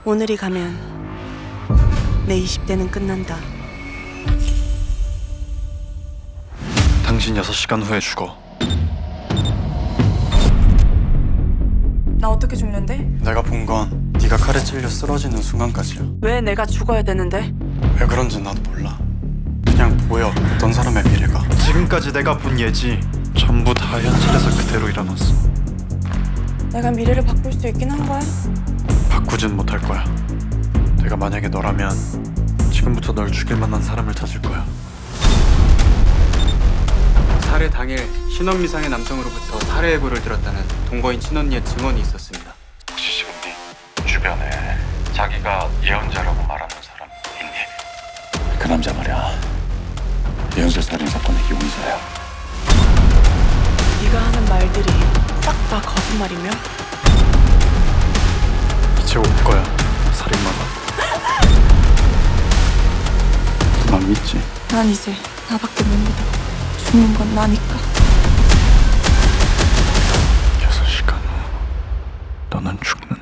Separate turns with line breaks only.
오늘이 가면 내 20대는 끝난다.
당신 6시간 후에 죽어.
나 어떻게 죽는데?
내가 본 건 네가 칼에 찔려 쓰러지는 순간까지야.
왜 내가 죽어야 되는데?
왜 그런지 나도 몰라. 그냥 보여, 어떤 사람의 미래가.
지금까지 내가 본 예지 전부 다 현실에서 그대로 일어났어.
내가 미래를 바꿀 수 있긴 한 거야?
바꾸진 못할 거야. 내가 만약에 너라면 지금부터 널 죽일 만한 사람을 찾을 거야.
살해 당일 신원미상의 남성으로부터 살해 예고를 들었다는 동거인 친언니의 증언이 있었습니다.
혹시 지금 네 주변에 자기가 예언자라고 말하는 사람 있니? 그 남자 말이야. 예언자 살인 사건의 용의자야.
네가 하는 말들이 싹 다 거짓말이며?
이제 올 거야, 살인마가.
난 믿지.
난 이제 나밖에 못 믿어. 죽는 건 나니까.
6시간 후 너는 죽는다.